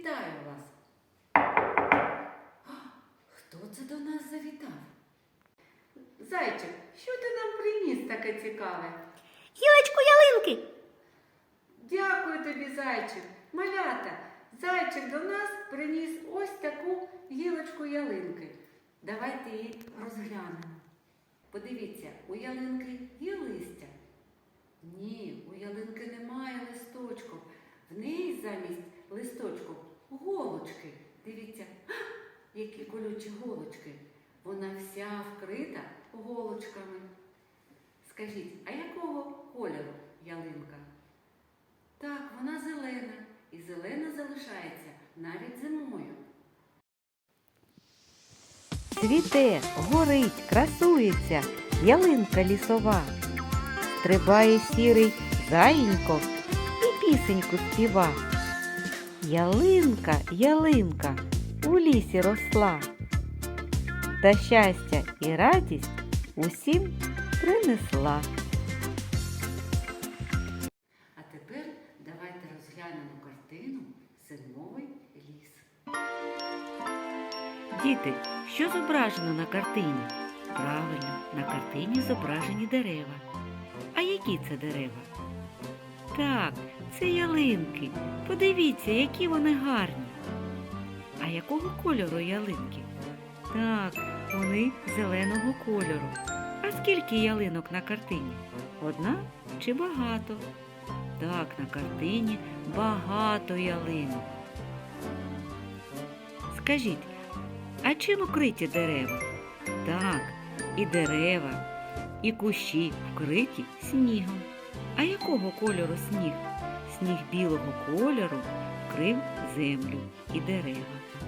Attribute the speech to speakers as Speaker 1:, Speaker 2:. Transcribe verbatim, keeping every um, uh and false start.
Speaker 1: Вітаю вас! Хто це до нас завітав? Зайчик, що ти нам приніс таке цікаве?
Speaker 2: Гілочку ялинки.
Speaker 1: Дякую тобі, зайчик. Малята, зайчик до нас приніс ось таку гілочку ялинки. Давайте її розглянемо. Подивіться, у ялинки є листя? Ні, у ялинки немає листочків. В неї замість листочків голочки. Дивіться, які колючі голочки. Вона вся вкрита голочками. Скажіть, а якого кольору ялинка? Так, вона зелена. І зелена залишається навіть зимою.
Speaker 3: Цвіте, горить, красується ялинка лісова. Стрибає сірий заєнько і пісеньку співа. Ялинка, ялинка у лісі росла. Та щастя і радість усім принесла.
Speaker 1: А тепер давайте розглянемо картину «Зимовий ліс».
Speaker 3: Діти, що зображено на картині? Правильно, на картині зображені дерева. А які це дерева? Так, це ялинки. Подивіться, які вони гарні. А якого кольору ялинки? Так, вони зеленого кольору. А скільки ялинок на картині? Одна чи багато? Так, на картині багато ялинок. Скажіть, а чим укриті дерева? Так, і дерева, і кущі вкриті снігом. А якого кольору сніг? Сніг білого кольору вкрив землю і дерева.